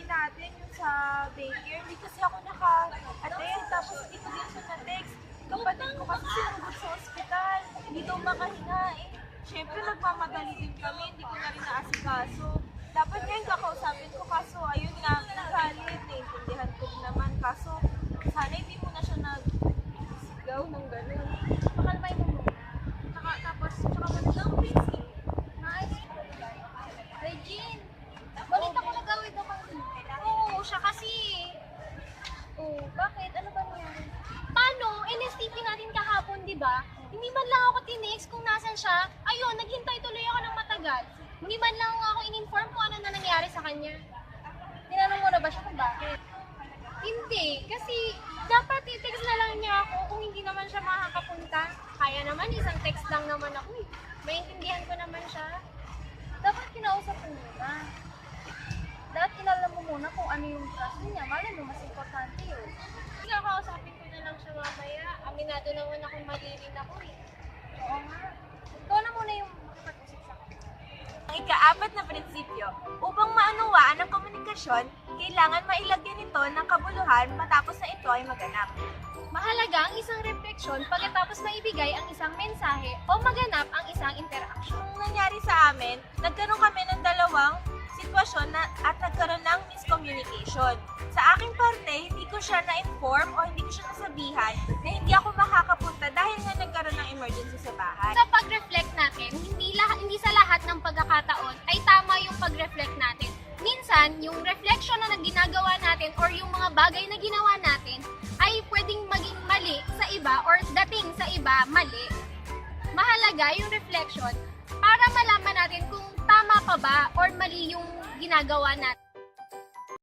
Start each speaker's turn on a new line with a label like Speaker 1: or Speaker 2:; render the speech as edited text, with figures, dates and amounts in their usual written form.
Speaker 1: natin yung sa daycare. Hindi kasi ako naka-attend. Tapos hindi ko din siya na-text. Kapatid ko kasi sinugod sa ospital. Hindi daw makahinga eh. Siyempre nagmamadali din kami. Hindi ko na rin naasikaso. Dapat ngayon kakausapin ko kaso ayun nga, nagalit. Naiintindihan ko din naman. Kaso sana hindi mo na siya nag-sigaw ng gano'n.
Speaker 2: Pakalmay mo muna. Tsaka magandang busy. Nice. Regine, balita ko nagawid ako. Oo, siya kasi. Oo, bakit? Ano ba nangyari? Paano? NSTP natin kahapon, di ba? Hindi man lang ako tinext kung nasan siya. Ayun, naghintay tuloy ako ng matagal. Hindi man lang ako in-inform kung ano na nangyari sa kanya. Tinanong mo na ba siya kung bakit? Hindi, kasi dapat i-text na lang niya ako kung hindi naman siya makakapunta. Kaya naman, isang text lang naman ako eh. Maintindihan ko naman siya. Dapat kinausap mo muna. Dapat inalam mo muna kung ano yung trust niya. Malay mo, mas importante yun. Kakausapin ko na lang siya mamaya. Aminado naman akong mali rin ako eh. Oo nga. Ikaw na muna yung makipag-usap sa akin.
Speaker 1: Ang ika-apat na prinsipyo, upang maunawaan ang komunikasyon, kailangan mailagyan ito ng kabuluhan matapos na ito ay maganap.
Speaker 2: Mahalaga ang isang refleksyon pagkatapos maibigay ang isang mensahe o maganap ang isang interaction.
Speaker 1: Nung nangyari sa amin, nagkaroon kami ng dalawang sitwasyon at nagkaroon ng miscommunication. Sa aking parte, hindi ko siya na-inform o hindi ko siya nasabihan na hindi ako makakapunta dahil nga nagkaroon ng emergency sa bahay.
Speaker 2: Sa pag-reflect natin, hindi sa lahat ng pagkakataon ay tama yung pag-reflect natin. Minsan, yung reflection na ginagawa natin or yung mga bagay na ginawa natin ay pwedeng maging mali sa iba or dating sa iba mali. Mahalaga yung reflection para malaman natin kung tama pa ba or mali yung ginagawa natin.